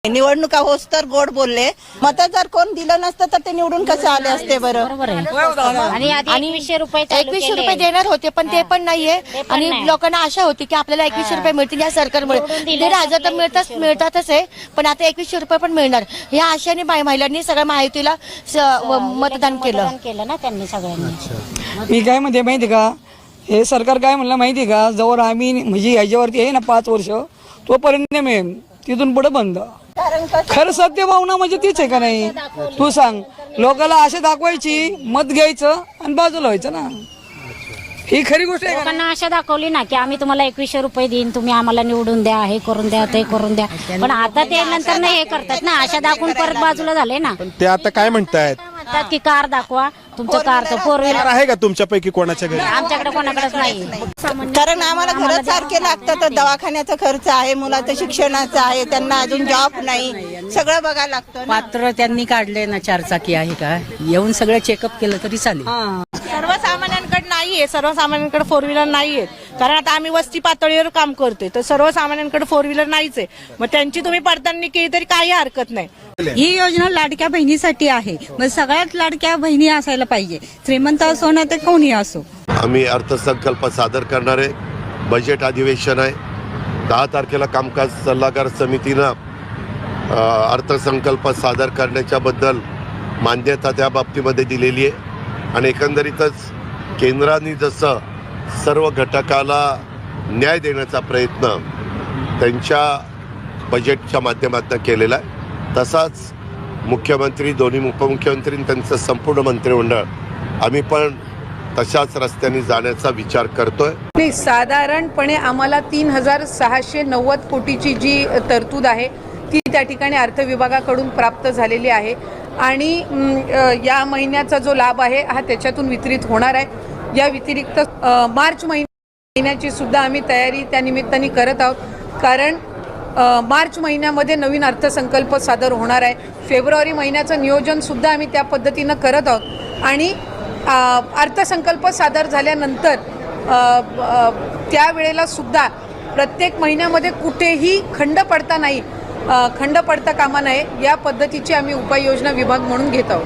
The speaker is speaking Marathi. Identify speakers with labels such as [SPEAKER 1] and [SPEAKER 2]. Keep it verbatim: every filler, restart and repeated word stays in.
[SPEAKER 1] निवडणुका होस तर गोड बोलले, मत जर कोण दिलं नसतं तर ते निवडून कसे आले असते बरं.
[SPEAKER 2] आणि एकवीसशे रुपये
[SPEAKER 3] एकवीसशे रुपये देणार होते पण ते पण नाहीये. आणि लोकांना आशा होती की आपल्याला एकवीसशे रुपये मिळतील या सरकारमुळे. दीड हजार तर मिळतात मिळतातच आहे, पण आता एकवीसशे रुपये पण मिळणार या आशेने महिलांनी सगळ्या महायुतीला मतदान केलं
[SPEAKER 2] केलं ना त्यांनी सगळ्यांनी.
[SPEAKER 4] मी काय म्हणते माहिती का, हे सरकार काय म्हणलं माहिती का, जवळ आम्ही म्हणजे याच्यावरती आहे ना पाच वर्ष तोपर्यंत मिळेल, तिथून पुढे बंद. खरं सत्य भावना म्हणजे तीच आहे का नाही, तू सांग. लोकांना आशा दाखवायची, मत घ्यायचं आणि बाजूला व्हायचं ना, ही खरी गोष्ट आहे.
[SPEAKER 2] लोकांना आशा दाखवली ना की आम्ही तुम्हाला एकवीसशे रुपये देईन, तुम्ही आम्हाला निवडून द्या, हे करून द्या, ते करून द्या. पण आता ते नंतर नाही हे करतात ना, आशा दाखवून परत बाजूला झाले ना.
[SPEAKER 5] ते आता काय म्हणतायत,
[SPEAKER 2] म्हणतात की कार दाखवा, तुमचं कारचं फोर व्हीलर
[SPEAKER 5] आहे का तुमच्यापैकी कोणाच्या घरी?
[SPEAKER 2] आमच्याकडे कोणाकडेच नाही.
[SPEAKER 1] कारण आम्हाला घर सारखे लागतं, तर दवाखान्याचा खर्च आहे, मुलाचं शिक्षणाचं आहे, त्यांना अजून जॉब नाही, सगळं बघायला लागतं.
[SPEAKER 6] पात्र त्यांनी काढले ना, चारचाकी आहे का, येऊन सगळं चेकअप केलं तरी चालेल.
[SPEAKER 7] सर्वसामान्यांकडे नाहीये, सर्वसामान्यांकडे फोर व्हीलर नाहीये. कारण आता आम्ही वस्ती पातळीवर काम करतोय, तर सर्वसामान्यांकडे फोर व्हीलर नाहीच आहे. मग त्यांची तुम्ही पडताळणी केली तरी काही हरकत नाही.
[SPEAKER 8] ही योजना लाडक्या बहिणीसाठी आहे, मग सगळ्यात लाडक्या बहिणी असायला पाहिजे, श्रीमंत असो ना ते कोणी असो.
[SPEAKER 9] आम्ही अर्थसंकल्प सादर करणारे, बजेट अधिवेशन आहे. दहा तारखेला कामकाज सल्लागार समितीनं अर्थसंकल्प सादर करण्याच्याबद्दल मान्यता त्या बाबतीमध्ये दिलेली आहे. आणि एकंदरीतच केंद्राने जसं सर्व घटकाला न्याय देण्याचा प्रयत्न त्यांच्या बजेटच्या माध्यमातून केलेला आहे, तसाच मुख्यमंत्री, दोन्ही उपमुख्यमंत्री, त्यांचं संपूर्ण मंत्रिमंडळ आम्ही पण तशाच रस्त्याने जाण्याचा विचार करतोय.
[SPEAKER 10] नाही, साधारणपणे आम्हाला तीन हजार सहाशे नव्वद कोटीची जी तरतूद आहे ती त्या ठिकाणी अर्थ विभागाकडून प्राप्त झालेली आहे. आणि या महिन्याचा जो लाभ आहे हा त्याच्यातून वितरित होणार आहे. या व्यतिरिक्त मार्च महिन्याची सुद्धा आम्ही तयारी त्या निमित्ताने करत आहोत, कारण मार्च महिन्यामध्ये नवीन अर्थसंकल्प सादर होणार आहे. फेब्रुवारी महिन्याचं नियोजनसुद्धा आम्ही त्या पद्धतीनं करत आहोत. आणि अर्थसंकल्प सादर झाल्यानंतर त्यावेळेला सुद्धा प्रत्येक महिन्यामध्ये कुठेही खंड पडता नाही खंड पडता कामा नये या पद्धतीची आम्ही उपाययोजना विभाग म्हणून घेत आहोत.